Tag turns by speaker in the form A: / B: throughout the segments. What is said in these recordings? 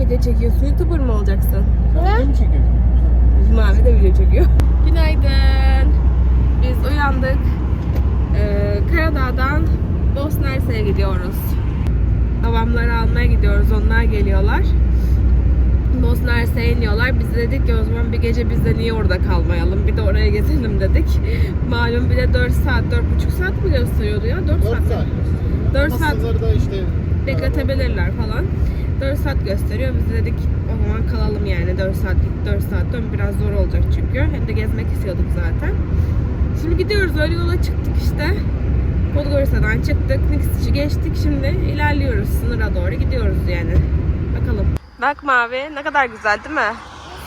A: video çekiyorsun? YouTuber mı olacaksın?
B: Sen mi çekiyorsun?
A: Mavi de video çekiyor. Günaydın. Biz uyandık. Karadağ'dan Bosna Hersek'e gidiyoruz. Babamları almaya gidiyoruz. Onlar geliyorlar. Bosna Hersek'e iniyorlar. Biz dedik ki o zaman bir gece biz de niye orada kalmayalım? Bir de oraya gezelim dedik. Malum bir de 4 saat, 4,5 saat mi gösteriyordu ya? 4 saat. 4 saat
B: da işte
A: bekletebilirler falan. 4 saat gösteriyor. Biz de dedik o zaman kalalım yani. 4 saat git, 4 saat dön. Biraz zor olacak çünkü. Hem de gezmek istiyorduk zaten. Şimdi gidiyoruz. Öyle yola çıktık işte. Podgorica'dan çıktık. Nikstiç'i geçtik. Şimdi ilerliyoruz. Sınıra doğru gidiyoruz yani. Bakalım. Bak Mavi. Ne kadar güzel değil mi?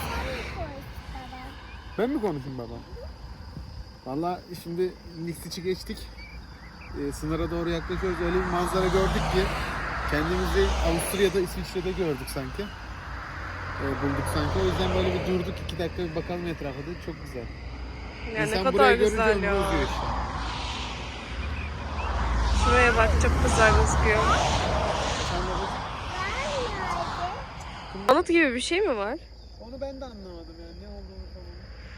B: Ben mi konuşayım baba? Valla şimdi Nikstiç'i geçtik. Sınıra doğru yaklaşıyoruz. Öyle bir manzara gördük ki kendimizi Avusturya'da, İsviçre'de gördük sanki. Bulduk sanki. O yüzden böyle bir durduk. 2 dakika bir bakalım etrafa da. Çok güzel.
A: Yani
B: İnsan
A: ne kadar
B: burayı
A: güzel
B: görünce
A: ya.
B: ömrü uzuyor işte.
A: Şuraya bak, çok güzel gözüküyor. Anıt gibi bir şey mi var?
B: Onu ben de anlamadım yani. Ne olduğunu falan.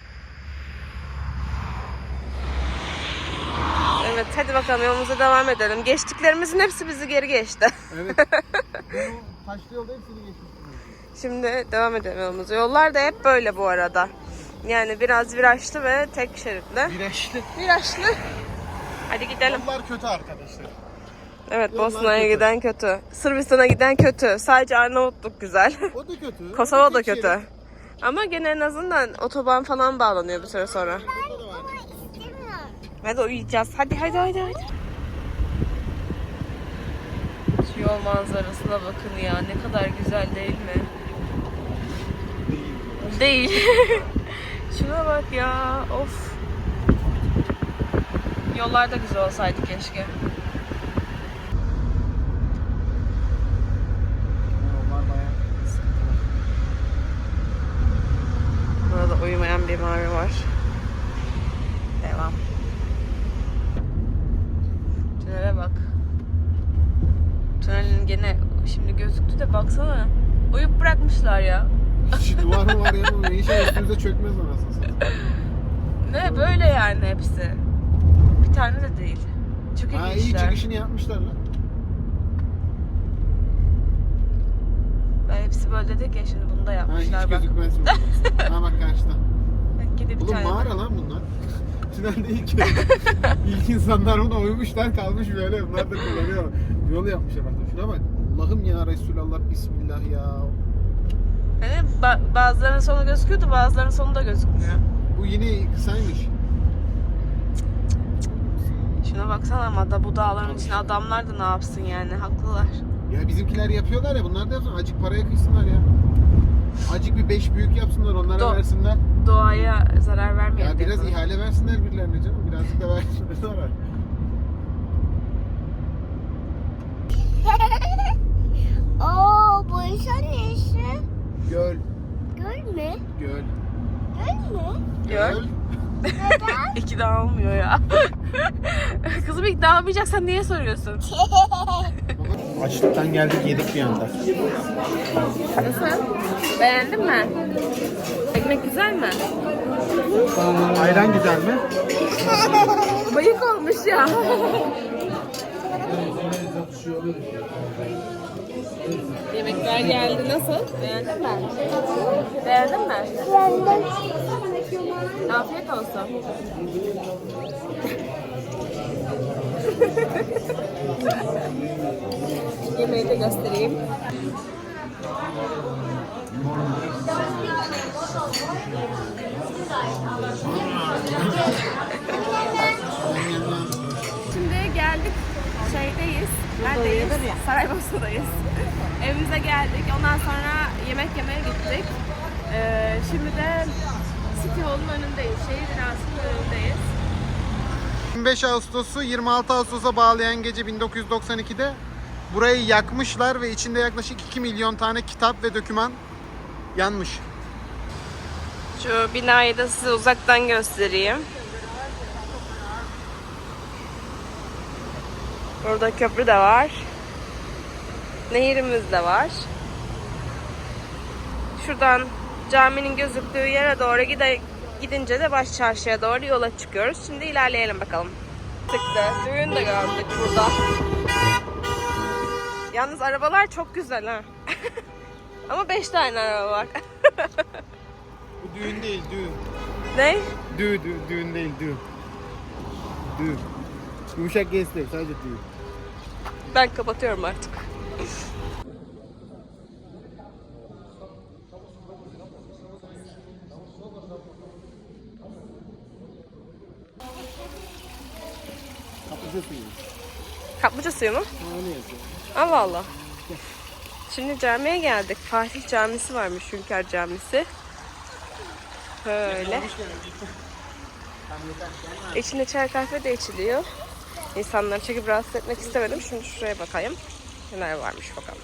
A: Evet, hadi bakalım yolumuza devam edelim. Geçtiklerimizin hepsi bizi geri geçti.
B: Evet. Bu taşlı yolda hepsini geçmiştim.
A: Şimdi devam edelim yolumuza. Yollar da hep böyle bu arada. Yani biraz virajlı ve tek şeritli.
B: Virajlı.
A: Virajlı. Hadi gidelim.
B: Yollar kötü arkadaşlar.
A: Evet,
B: Yollar
A: Bosna'ya
B: kötü.
A: giden kötü. Sırbistan'a giden kötü. Sadece Arnavutluk güzel.
B: O da kötü.
A: Kosova da
B: Tek
A: kötü.
B: şerit.
A: Ama gene en azından otoban falan bağlanıyor bir süre sonra.
B: Burada da var.
A: Hadi uyuyacağız. Hadi. Şu yol manzarasına bakın ya. Ne kadar güzel değil mi? Değil. Şuna bak ya. Of. Yollar da güzel olsaydı keşke.
B: Yollar bayağı sıkıntılı.
A: Burada uyumayan bir mavi var. Devam. Tünele bak. Tünelin gene şimdi gözüktü de baksana. Uyup bırakmışlar ya.
B: Şu duvar mı var ya? Bu inşallah üstümüze çökmez anasını satayım.
A: Ne böyle yani hepsi. Bir tane de değil. Çok
B: Ha iyi
A: ilginçler.
B: çıkışını yapmışlar lan.
A: Hepsi böyle dedik ya, şimdi bunu da
B: Ha
A: yapmışlar
B: hiç
A: bak.
B: gözükmez mi? Ha bak karşıda.
A: Bak gidip bir
B: Oğlum
A: tane.
B: mağara lan bunlar. Tünelde ilk insanlar buna uymuşlar kalmış böyle. Bunlar da kullanıyor. Yol yapmışlar bak. Şuna bak. Allah'ım ya Resulallah Bismillah ya.
A: Yani bazılarının sonu gözüküyordu, bazılarının sonu da gözükmüyor.
B: Bu yine kısaymış.
A: Şuna baksana ama da bu dağların içine adamlar da ne yapsın yani, haklılar.
B: Ya bizimkiler yapıyorlar ya, bunlar da yapsın. Acık paraya kıysınlar ya. Acık bir 5 büyük yapsınlar, onlara versinler.
A: Doğaya zarar vermeyelim.
B: Ya biraz
A: diye.
B: ihale versinler birilerine canım. Birazcık da versinler sonra.
C: Oo, bu insan neyse?
B: Göl.
C: Göl mü?
B: Göl.
C: Göl mü?
A: Gör.
C: Neden?
A: İkna olmuyor ya. Kızım ikna olmayacaksan niye soruyorsun?
B: Açlıktan geldik yedik bir anda.
A: Nasıl? Beğendin mi? Ekmek güzel mi?
B: Ayran güzel mi?
A: Bayık olmuş ya. Yemekler geldi. Nasıl? Beğendin mi? Beğendin mi?
C: Yandım.
A: Afiyet olsun. Yemeği de göstereyim. Şimdi geldik. Şeydeyiz. Neredeyiz? Saraybosna'dayız. Evimize geldik. Ondan sonra yemek yemeye gittik. Şimdi de City Hall'un önündeyiz. Şehir binasının önündeyiz.
B: 25 Ağustos'u 26 Ağustos'a bağlayan gece 1992'de burayı yakmışlar ve içinde yaklaşık 2 milyon tane kitap ve doküman yanmış.
A: Şu binayı da size uzaktan göstereyim. Burada köprü de var. Nehirimiz de var. Şuradan caminin gözüktüğü yere doğru gidince de baş çarşıya doğru yola çıkıyoruz. Şimdi ilerleyelim bakalım. Çıktı. Düğün de gördük burada. Yalnız arabalar çok güzel ha. Ama 5 tane araba var.
B: Bu düğün değil, düğün.
A: Ne?
B: Düğün değil, düğün. Düğün. Yumuşak G değil, sadece düğün.
A: Ben kapatıyorum artık.
B: Kaplıca suyu.
A: Kaplıca suyu mu?
B: Öyle yazıyor.
A: Allah Allah. Şimdi camiye geldik. Fatih Camisi varmış, Hünkar Camisi. Böyle. İçinde çay kahve de içiliyor. İnsanları çekip rahatsız etmek istemedim. Şimdi şuraya bakayım. Neler varmış bakalım.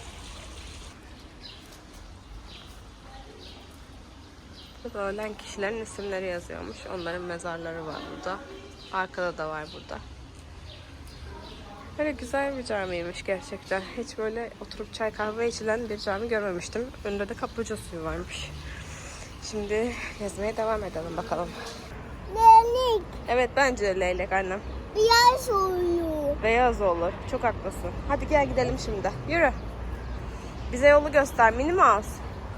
A: Burada ölen kişilerin isimleri yazıyormuş. Onların mezarları var burada. Arkada da var burada. Böyle güzel bir camiymiş gerçekten. Hiç böyle oturup çay kahve içilen bir cami görmemiştim. Önünde de kaplıca suyu varmış. Şimdi gezmeye devam edelim bakalım.
C: Leylek.
A: Evet bence de leylek annem.
C: Beyaz oluyor.
A: Beyaz olur. Çok haklısın. Hadi gel gidelim şimdi. Yürü. Bize yolu göster. Minnie Mouse.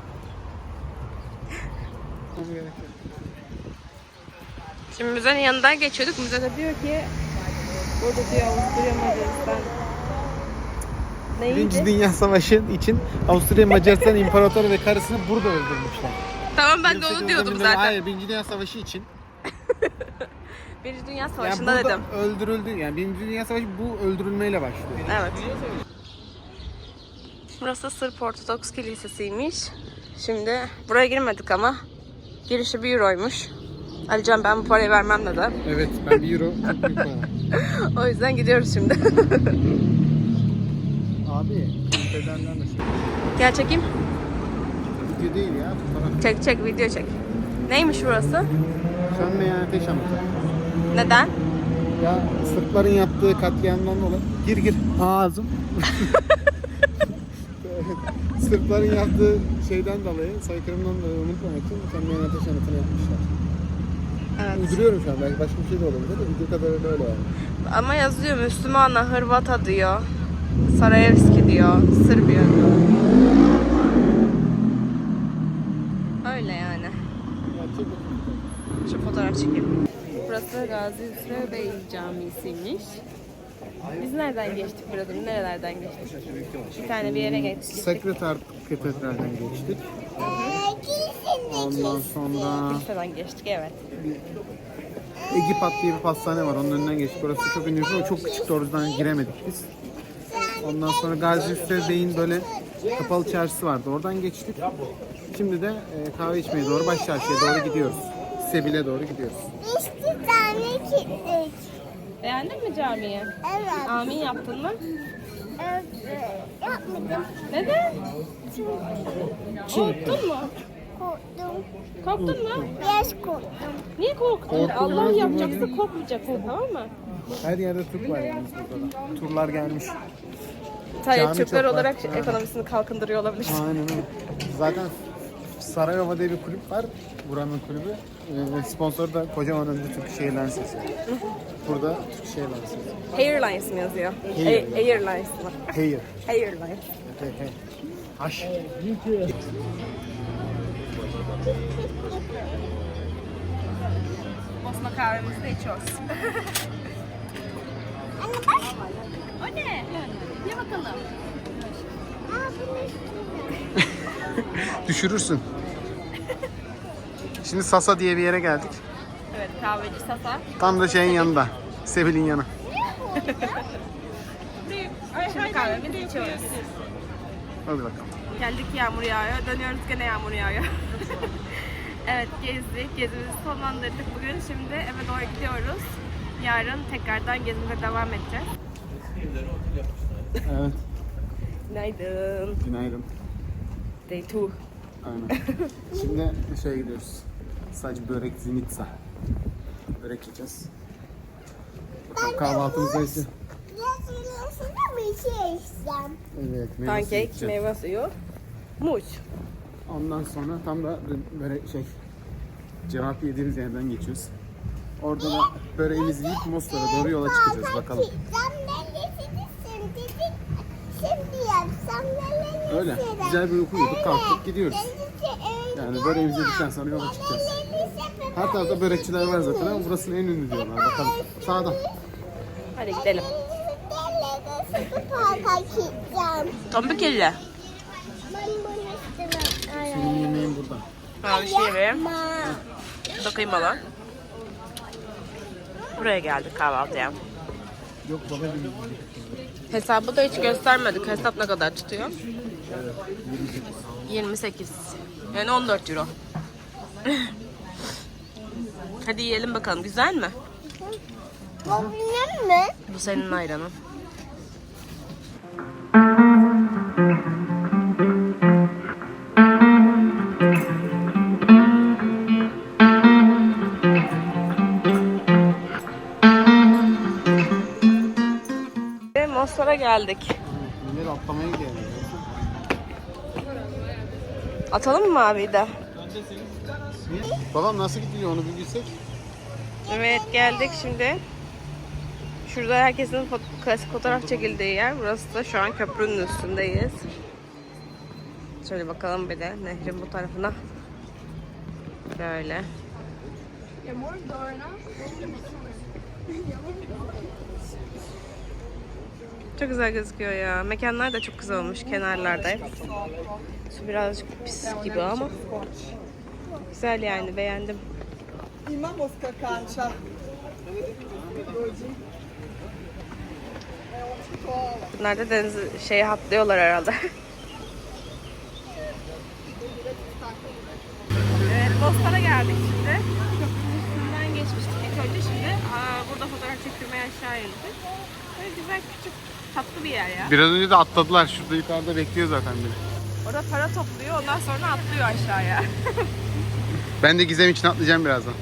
A: Şimdi müzenin yanından geçiyorduk. Müzede diyor ki burada diyor Avusturya Macaristan.
B: Birinci
A: Neydi?
B: Dünya Savaşı için Avusturya Macaristan İmparatoru ve karısını burada öldürmüşler.
A: Tamam ben de onu
B: 18
A: diyordum
B: Eylül'de-
A: zaten.
B: Hayır, Birinci Dünya Savaşı için.
A: Birinci Dünya
B: Yani
A: Savaşı'nda
B: burada
A: dedim.
B: öldürüldü. Yani Birinci Dünya Savaşı bu öldürülmeyle başlıyor.
A: Evet. Burası Sırp Ortodoks Kilisesi'ymiş. Şimdi buraya girmedik ama girişi 1 euroymuş. Alican ben bu parayı vermem dedi.
B: Evet, ben 1 euro çok büyük para.
A: O yüzden gidiyoruz şimdi.
B: Abi, bedenler de şey.
A: Gel çekeyim.
B: Video değil ya, fotoğraf.
A: Çek video çek. Neymiş burası?
B: Sönmeyen ateş anıtı.
A: Neden?
B: Ya Sırpların yaptığı katliamdan dolayı. Gir. Ağzım. Sırpların yaptığı şeyden dolayı, soykırımdan dolayı unutmamak için sönmeyen ateş anıtını yapmışlar.
A: Evet.
B: Uyduruyorum şu an, belki başka bir şey de olabilir de video kadarıyla öyle yani.
A: Ama yazıyor Müslümana, Hırvata diyor. Sarayevski diyor. Sırbiya diyor. Öyle yani.
B: Ya çek bakayım.
A: Şu fotoğraf çekeyim. Burası Gazi Hüsrev Bey Camisi'ymiş. Biz nereden geçtik burada? Nerelerden geçtik? Bir tane bir yere geçtik.
B: Sekreter Katedral'den geçtik.
C: Kilisenin
B: Ondan sonra
A: Kiliseden geçtik evet.
B: Egipat diye bir pastane var, onun önünden geçtik. Orası çok ünlü ama çok küçük, o yüzden giremedik biz. Ondan sonra Gazi Hüsrev Bey'in böyle kapalı çarşısı vardı, oradan geçtik. Şimdi de kahve içmeye doğru, baş çarşıya doğru gidiyoruz. Sebil'e doğru gidiyoruz.
C: İşte tane kilitlik.
A: Beğendin mi camiyi?
C: Evet.
A: Amin yaptın mı?
C: Evet. Yapmadım.
A: Neden? Korktun mu?
C: Korktum.
A: Korktun mu?
C: Biraz korktum.
A: Niye korktun?
B: Korkulmaz
A: Allah
B: mı
A: yapacaksa
B: böyle?
A: korkmayacaksın tamam mı?
B: Her yerde Türk var yalnız burada da. Turlar gelmiş.
A: Hayır
B: Cami
A: Türkler
B: çok var.
A: olarak
B: Ha.
A: ekonomisini kalkındırıyor olabilir.
B: Aynen öyle. Zaten Sarayova diye bir kulüp var. Buranın kulübü. Sponsoru da kocaman önünde Türk Airlines yazıyor. Burada Türk Airlines yazıyor.
A: Airlines mi yazıyor?
B: Air.
A: Airlines mı?
B: Hayır.
A: Airlines.
B: Hey. Haş.
A: Bosna kahvemizi de içiyoruz.
C: Anne bak.
A: O ne? Ye bakalım.
C: Aa, bunu
B: Düşürürsün. Şimdi Sasa diye bir yere geldik.
A: Evet kahveci Sasa.
B: Tam da şeyin yanında. Sebil'in yanı.
A: Şimdi kahvemizi içiyoruz.
B: Hadi bakalım.
A: Geldik yağmur yağıyor. Dönüyoruz gene yağmur yağıyor. Evet gezdik. Gezimizi sonlandırdık bugün. Şimdi eve doğru gidiyoruz. Yarın tekrardan gezimize devam edeceğiz.
B: Evet.
A: Günaydın.
B: Günaydın.
A: Day 2.
B: Aynen. Şimdi şeye gidiyoruz. Sadece börek zinitsa. Börek yiyeceğiz. Bakalım kahvaltımızda ise.
C: Yazılmasına bir şey içsem.
B: Evet. meyve suyu
A: Pankek,
B: içeceğiz.
A: meyve suyu, muz.
B: Ondan sonra tam da böyle cevap yediğimiz yerden geçiyoruz. Orada da böreğimizi yiyip Mostar'a doğru yola çıkacağız bakalım. Öyle. Güzel bir uyku uyuduk, kalktık gidiyoruz. Yani böreğimizi yedikten sonra yola çıkacağız. Her tarafta börekçiler var zaten ama burasının en ünlü diyorlar. Bakalım. Sağda.
A: Hadi gidelim. Tombik elle.
B: Senin yemeğin burada.
A: Ha, bir şey vereyim. Bu da kıymalı. Buraya geldik kahvaltıya.
B: Yok baba gibi.
A: Hesabı da hiç göstermedik. Hesap ne kadar tutuyor? 28. Yani 14 euro. Hadi yiyelim bakalım. Güzel mi?
C: Bu benim mi?
A: Bu senin ayranın. Mostar'a geldik.
B: Millet atlamaya geldi.
A: Atalım mı abi de?
B: Babam nasıl gidiyor onu bir bilsek.
A: Evet, geldik şimdi. Şurada herkesin klasik fotoğraf çekildiği yer. Burası da şu an köprünün üstündeyiz. Şöyle bakalım bir de nehrin bu tarafına. Böyle. Çok güzel gözüküyor ya. Mekanlar da çok güzel olmuş kenarlarda hep. Su birazcık pis gibi ama güzel yani, beğendim. Bunlar da deniz atlıyorlar herhalde. Evet, Mostar'a geldik şimdi. Köprünün üstünden geçmiştik ilk önce, şimdi burada fotoğraf çektirmeye aşağı indik. Böyle güzel, küçük, tatlı bir yer ya.
B: Biraz önce de atladılar. Şurada yukarıda bekliyor zaten biri.
A: Orada para topluyor, ondan sonra atlıyor aşağıya.
B: Ben de Gizem için atlayacağım birazdan.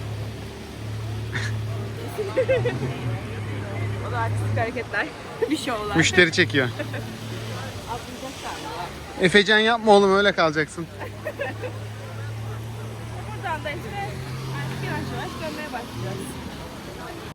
A: O da artistik hareketler, bir şovlar.
B: Müşteri çekiyor.
A: Atlayacaklar.
B: Efecan yapma oğlum, öyle kalacaksın.
A: Buradan da işte artık yavaş yavaş dönmeye başlayacağız.